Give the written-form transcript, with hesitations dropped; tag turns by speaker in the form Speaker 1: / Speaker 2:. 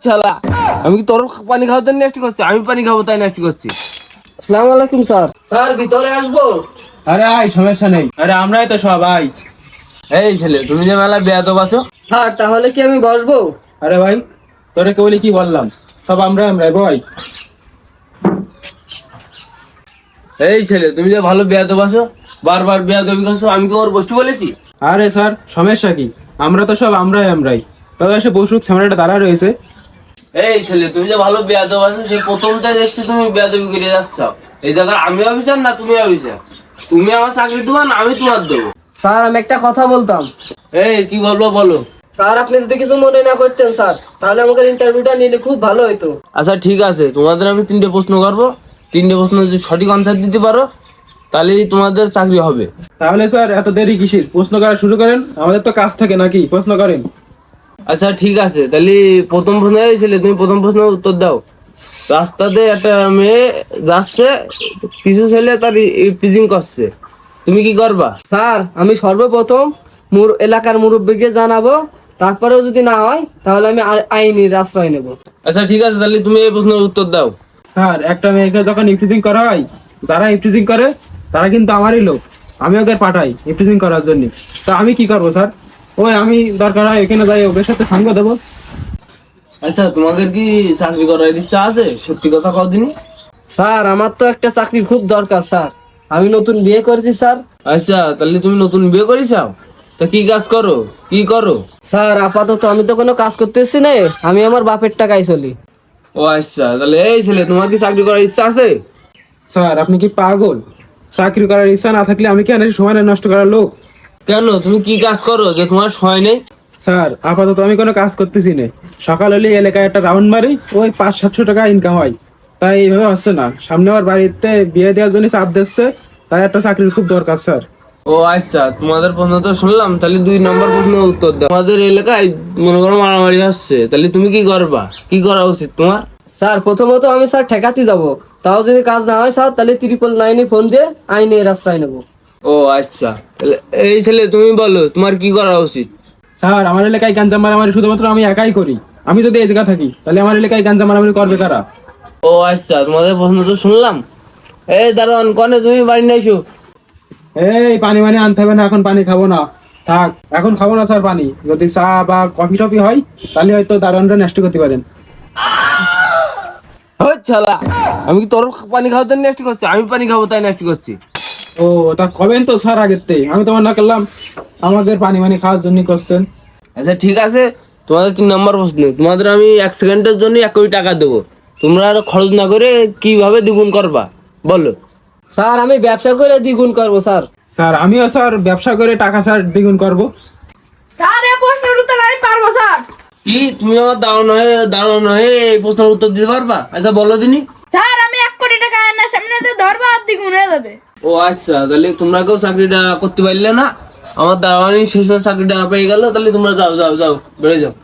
Speaker 1: শালা, আমি কি তোর পানি খাওয়াতে নষ্ট করছি? আমি পানি খাবো তাই নষ্ট করছি?
Speaker 2: আসসালামু আলাইকুম স্যার। স্যার ভিতরে আসবো?
Speaker 3: আরে আয়, সমস্যা নেই। আরে আমরাই তো সবাই।
Speaker 1: এই ছেলে, তুমি যে মেলা বেয়াদব আছো।
Speaker 2: স্যার তাহলে কি আমি বসবো?
Speaker 3: আরে ভাই, তোরে কে বলি কি বললাম, সব আমরাই ভাই।
Speaker 1: এই ছেলে, তুমি যে ভালো বেয়াদব আছো, বারবার বেয়াদবি করছো, আমি কি ওর বসতে বলেছি?
Speaker 3: আরে স্যার, সমস্যা কি? আমরা তো সব আমরাই। তবে এসে বসুক, সামনেটা দাঁড়া রয়েছে।
Speaker 1: এই ছেলে, তুমি যে ভালো বেয়াদব আছো, সেই প্রথমটাই দেখছি তুমি বেয়াদবি করে যাচ্ছ। এই জায়গায় আমি অফিসার না তুমি অফিসার? তুমি আমার চাকরি দেবা না আমি তোমার দেবো?
Speaker 2: স্যার আমি একটা কথা বলতাম।
Speaker 1: এই কি বলবো বলো।
Speaker 2: স্যার আপনি যদি কিছু মনে না করতেন স্যার, তাহলে আমাকে ইন্টারভিউটা নিলে খুব ভালো হতো।
Speaker 1: আচ্ছা ঠিক আছে, তোমাদের আমি 3টে প্রশ্ন করবো। 3টে প্রশ্ন যদি সঠিক আনসার দিতে পারো তাহলেই তোমাদের চাকরি হবে।
Speaker 3: তাহলে স্যার এত দেরি কিসের? প্রশ্ন করা শুরু করেন, আমাদের তো কাজ থাকে নাকি, প্রশ্ন করেন।
Speaker 1: আচ্ছা ঠিক আছে, তাহলে প্রথম প্রশ্ন ছেলে, তুমি প্রথম প্রশ্নের উত্তর দাও। রাস্তাতে একটা মেয়ে যাচ্ছে, কিছু ছেলে তার ইপটিজিং করছে, তুমি কি করবা?
Speaker 2: স্যার আমি সর্বপ্রথম এলাকার মুরব্বীকে জানাবো, তারপরেও যদি না হয় তাহলে আমি আইনের আশ্রয় নেব।
Speaker 1: আচ্ছা ঠিক আছে, তাহলে তুমি এই প্রশ্নের উত্তর দাও।
Speaker 3: স্যার একটা মেয়েকে যখন ইফটিজিং করা হয়, যারা ইফটিজিং করে তারা কিন্তু আমারই লোক, আমি ওদের পাঠাই ইফটিজিং করার জন্য। তা আমি কি করবো স্যার? ওই আমি দরকার হয় এখানে যাই, ওদের সাথে সঙ্গ দেবো।
Speaker 1: আচ্ছা তোমাদের কি চাকরি করার ইচ্ছা আছে? সত্যি কথা কও দিনি।
Speaker 2: স্যার আমার তো একটা চাকরির খুব দরকার স্যার, আমি নতুন বিয়ে করেছি স্যার।
Speaker 1: আচ্ছা তাহলে তুমি নতুন বিয়ে করেছাও, তা কি কাজ করো, কি করো?
Speaker 2: স্যার আপাতত আমি তো কোনো কাজ করতেছি না, আমি আমার বাপের টাকায় চলি।
Speaker 1: ও আচ্ছা, তাহলে এই ছেলে তোমার কি চাকরি করার ইচ্ছা আছে?
Speaker 3: স্যার আপনি কি পাগল? চাকরি করার ইচ্ছা না থাকলে আমি কেন সময় নষ্ট করার লোক?
Speaker 1: কেন, তুমি কি কাজ করো যে তোমার সময় নেই?
Speaker 3: স্যার আপাতত আমি কোনো কাজ করতেছি না, সকাল হলে এলাকায় একটা রাউন্ড মারি, ওই 500-700 টাকা ইনকাম হয়। তাই এইভাবে হচ্ছে না, সামনে আমার বাড়িতে বিয়ে দেওয়ার জন্য চাপ দিচ্ছে, তাই একটা চাকরির খুব দরকার স্যার।
Speaker 1: ও আচ্ছা, তোমাদের প্রশ্ন তো শুনলাম, তাহলে 2 নম্বর প্রশ্নের উত্তর দাও। তোমাদের এলাকায় মনে করো মারামারি হচ্ছে, তাহলে তুমি কি করবা, কি করা উচিত তোমার?
Speaker 2: স্যার প্রথমত আমি স্যার ঠেকাতে যাব, তাও যদি কাজ না হয় স্যার তাহলে 999 ফোন দিয়ে আইনের আশ্রয় নেব।
Speaker 1: ও আচ্ছা, তাহলে এই ছেলে তুমি বলো তোমার কি করা উচিত?
Speaker 3: স্যার আমার এলাকায় গাঞ্জাম মারামারি শুধুমাত্র আমি একাই করি, আমি যদি এই জায়গা থাকি তাহলে আমার এলাকায় গাঞ্জাম মারামারি করবে কারা?
Speaker 1: ও আচ্ছা, তোমাদের প্রশ্ন তো শুনলাম। এই দারোয়ান, কনে তুমি বাড়ি নাইছো?
Speaker 3: এই পানি আনতে হবে না, এখন পানি খাবো না, থাক এখন খাবো না স্যার পানি। যদি চা বা কফি টফি হয় তাহলে হয়তো দারোয়ানরা নষ্ট করতে পারেন।
Speaker 1: শালা, আমি কি তোর পানি খাওয়াতে নষ্ট করছি? আমি পানি খাবো তাই নষ্ট করছি?
Speaker 3: ও তা কবেন তো স্যার আগের থেকে, আমি তোমার না করলাম, আমাদের পানি খাওয়ার জন্য করছেন।
Speaker 1: আচ্ছা ঠিক আছে, তোমাদের 3 নম্বর প্রশ্ন। তোমাদের আমি 1 সেকেন্ডের জন্য 1 কোটি টাকা দেবো, তোমরা আর খরচ না করে কিভাবে দ্বিগুণ করবা বলো?
Speaker 2: স্যার আমি ব্যবসা করে দ্বিগুণ করব স্যার।
Speaker 3: স্যার আমিও স্যার ব্যবসা করে টাকা স্যার দ্বিগুণ করবো।
Speaker 4: স্যার এই প্রশ্নের উত্তর আমি পারবো স্যার।
Speaker 1: কি তুমি আমার দাঁড়ানো হয়ে এই প্রশ্নের উত্তর দিতে পারবা? আচ্ছা বলো দিনি।
Speaker 4: স্যার আমি 1 কোটি টাকা আয়নার সামনে দিয়ে ধরবো আর দ্বিগুণ হয়ে যাবে।
Speaker 1: ও আচ্ছা, তাহলে তোমরা কেউ চাকরিটা করতে পারলে না, আমার দাঁড়ানি শেষ চাকরিটা পেয়ে গেল, তাহলে তোমরা যাও বেড়ে যাও।